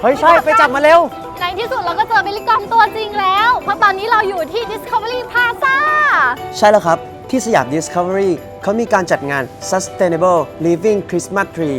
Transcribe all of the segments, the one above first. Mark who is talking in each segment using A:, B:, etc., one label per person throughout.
A: เฮ้ยใช่ไปจับมาเร็ว
B: ในที่สุดเราก็เจอเบลลี่กอมตัวจริงแล้วเพราะตอนนี้เราอยู่ที่ Discovery Plaza
A: ใช่แล้วครับที่สยาม Discovery เขามีการจัดงาน Sustainable Living Christmas Tree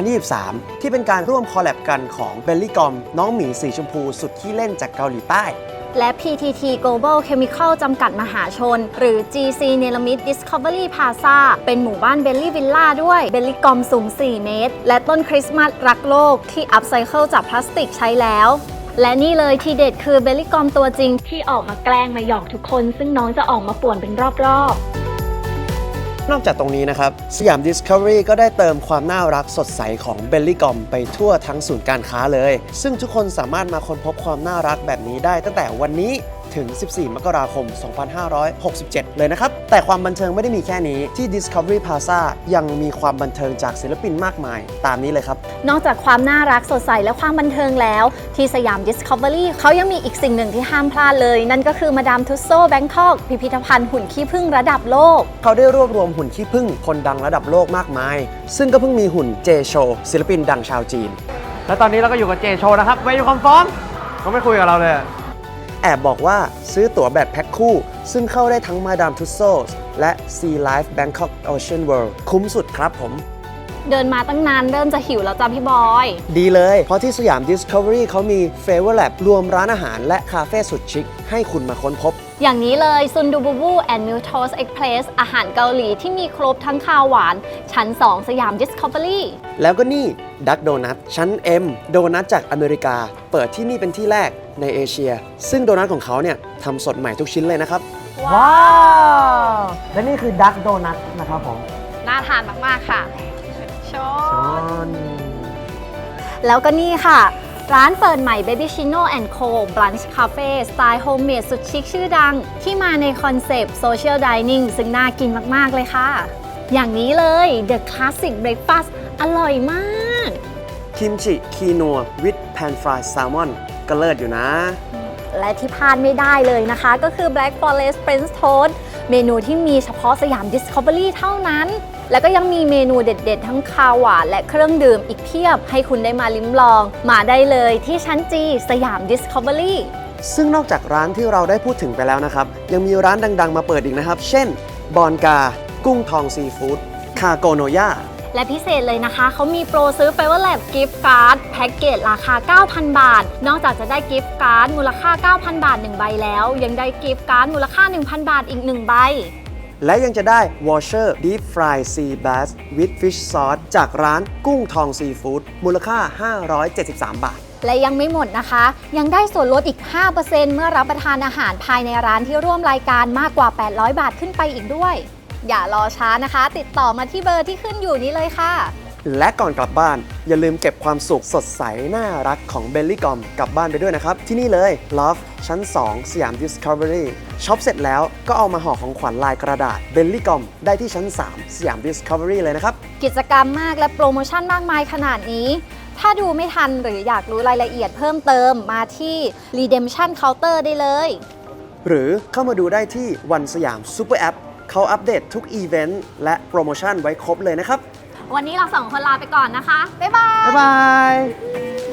A: 2023 ที่เป็นการร่วมคอลแลบกันของเบลลี่กอมน้องหมีสีชมพูสุดขี้เล่นจากเกาหลีใต้
B: และ PTT Global Chemical จำกัดมหาชนหรือ GC เนลมิด Discovery Plaza เป็นหมู่บ้านเบลลี่วิลล่าด้วยเบลลี่กอมสูง 4 เมตร และต้นคริสต์มาสรักโลกที่อัพไซเคิลจากพลาสติกใช้แล้ว และนี่เลยทีเด็ดคือเบลลี่กอมตัวจริงที่ออกมาแกล้งมาหยอกทุกคนซึ่งน้องจะออกมาป่วนเป็นรอบๆ
A: นอกจากตรงนี้นะครับสยาม Discovery ก็ได้เติมความน่ารักสดใสของเบลลี่กอมไปทั่วทั้งศูนย์การค้าเลยซึ่งทุกคนสามารถมาค้นพบความน่ารักแบบนี้ได้ตั้งแต่วันนี้ถึง 14 มกราคม 2567 เลยนะครับแต่ความบันเทิงไม่ได้มีแค่นี้ที่ Discovery Plaza ยังมีความบันเทิงจากศิลปินมากมายตามนี้เลยครับ
B: นอกจากความน่ารักสดใสและความบันเทิงแล้วที่สยาม Discovery เขายังมีอีกสิ่งหนึ่งที่ห้ามพลาดเลยนั่นก็คือมาดามทุสโซแบงคอกพิพิธภัณฑ์หุ่นขี้ผึ้งระดับโลก
A: เขาได้รวบรวมหุ่นขี้ผึ้งคนดังระดับโลกมากมายซึ่งก็เพิ่งมีหุ่นเจโชศิลปินดังชาวจีน
C: และตอนนี้เราก็อยู่กับเจโชนะครับเวยูคอมฟอร์มเขาไม่คุยกับเราเลย
A: แอบบอกว่าซื้อตั๋วแบบแพ็คคู่ซึ่งเข้าได้ทั้งมาดามทุสโซและ Sea Life Bangkok Ocean World คุ้มสุดครับผม
B: เดินมาตั้งนานเริ่มจะหิวแล้วจ้ะพี่บอย
A: ดีเลยเพราะที่สยาม Discovery เขามี Flavor Lab รวมร้านอาหารและคาเฟ่สุดชิคให้คุณมาค้นพบ
B: อย่างนี้เลยซุนดูบูบูแอนด์มิลโทสเอ็กเพรสอาหารเกาหลีที่มีครบทั้งคาวหวานชั้น 2 สยาม Discovery
A: แล้วก็นี่ดักโดนัทชั้น M โดนัทจากอเมริกาเปิดที่นี่เป็นที่แรกในเอเชียซึ่งโดนัทของเขาเนี่ยทำสดใหม่ทุกชิ้นเลยนะครับ
C: ว้าวและนี่คือดักโดนัทนะครับผม
B: น่าทานมากๆค่ะชอนแล้วก็นี่ค่ะร้านเปิดใหม่ Baby Chino & Co Brunch Cafe สไตล์โฮมเมดสุดชิคชื่อดังที่มาในคอนเซปต์ Social Dining ซึ่งน่ากินมากๆเลยค่ะอย่างนี้เลย The Classic Breakfast อร่อยมาก
A: คิมจิคีนัววิดแพนฟรายแซลมอนก็เลิศอยู่นะ
B: และที่พลาดไม่ได้เลยนะคะก็คือ Black Forest French Toast เมนูที่มีเฉพาะสยาม Discovery เท่านั้นแล้วก็ยังมีเมนูเด็ดๆทั้งคาวหวานและเครื่องดื่มอีกเพียบให้คุณได้มาลิ้มลองมาได้เลยที่ชั้นจีสยาม Discovery
A: ซึ่งนอกจากร้านที่เราได้พูดถึงไปแล้วนะครับยังมีร้านดังๆมาเปิดอีกนะครับเช่นบอนกากุ้งทองซีฟู้ดคาโกโนย่า
B: และพิเศษเลยนะคะเขามีโปรซื้อ Flavor Lab Gift Card แพ็กเกจราคา 9,000 บาทนอกจากจะได้ Gift Card มูลค่า 9,000 บาท 1 ใบแล้วยังได้ Gift Card มูลค่า 1,000 บาทอีก 1 ใบ
A: และยังจะได้ Washer Deep Fry Sea Bass with Fish Sauce จากร้านกุ้งทองซีฟู้ดมูลค่า 573 บาท
B: และยังไม่หมดนะคะยังได้ส่วนลดอีก 5% เมื่อรับประทานอาหารภายในร้านที่ร่วมรายการมากกว่า 800 บาทขึ้นไปอีกด้วยอย่ารอช้านะคะติดต่อมาที่เบอร์ที่ขึ้นอยู่นี้เลยค่ะ
A: และก่อนกลับบ้านอย่าลืมเก็บความสุขสดใสน่ารักของเบลลี่กอมกลับบ้านไปด้วยนะครับที่นี่เลย Love ชั้น 2 สยาม Discovery ช็อปเสร็จแล้วก็เอามาห่อของขวัญลายกระดาษเบลลี่กอมได้ที่ชั้น 3 สยาม Discovery เลยนะครับ
B: กิจกรรมมากและโปรโมชั่นมากมายขนาดนี้ถ้าดูไม่ทันหรืออยากรู้รายละเอียดเพิ่มเติมมาที่ Redemption Counter ได้เลย
A: หรือเข้ามาดูได้ที่วันสยามซูเปอร์แอปเขาอัปเดตทุกอีเวนต์และโปรโมชั่นไว้ครบเลยนะครับ
B: วันนี้เรา2 คนลาไปก่อนนะคะบ๊ายบาย
C: บ๊ายบาย